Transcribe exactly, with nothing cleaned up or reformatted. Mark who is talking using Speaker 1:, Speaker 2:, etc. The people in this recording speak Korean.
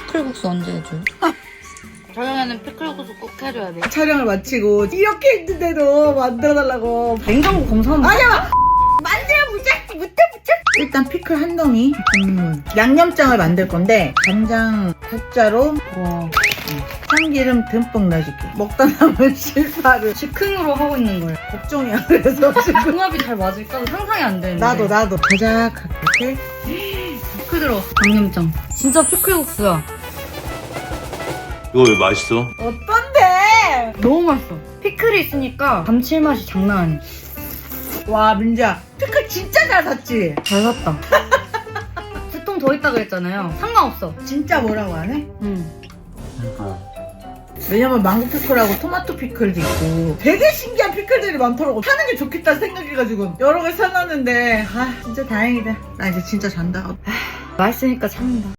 Speaker 1: 피클국수 언제 해줘요? 저녁에는 피클국수 꼭 해줘야 돼.
Speaker 2: 촬영을 마치고 이렇게 했는데도 만들어달라고.
Speaker 1: 냉장고 검사하면
Speaker 2: 아니야! 만들어 보자! 못해 보자! 일단 피클 한 덩이. 음, 양념장을 만들 건데 간장 국자로
Speaker 1: 와.
Speaker 2: 참기름 듬뿍 넣어줄게. 먹다 남은 실파를
Speaker 1: 즉흥으로 하고 있는 거예요.
Speaker 2: 걱정이야. 그래서 지금
Speaker 1: 궁합이 잘 맞을까? 상상이 안 되는데.
Speaker 2: 나도 나도 자작하게 이렇게.
Speaker 1: 피클 들어. 양념장. 진짜 피클국수야.
Speaker 3: 이거 왜 맛있어?
Speaker 2: 어떤데?
Speaker 1: 너무 맛있어. 피클이 있으니까 감칠맛이 장난 아니야.
Speaker 2: 와 민지야 피클 진짜 잘 샀지?
Speaker 1: 잘 샀다. 두 통 더 있다 그랬잖아요. 상관없어.
Speaker 2: 진짜 뭐라고 안 해?
Speaker 1: 응.
Speaker 2: 왜냐면 망고 피클하고 토마토 피클도 있고 되게 신기한 피클들이 많더라고. 사는 게 좋겠다 생각해가지고 여러 개 사놨는데 아 진짜 다행이다. 나 이제 진짜 잔다.
Speaker 1: 맛있으니까 참는다.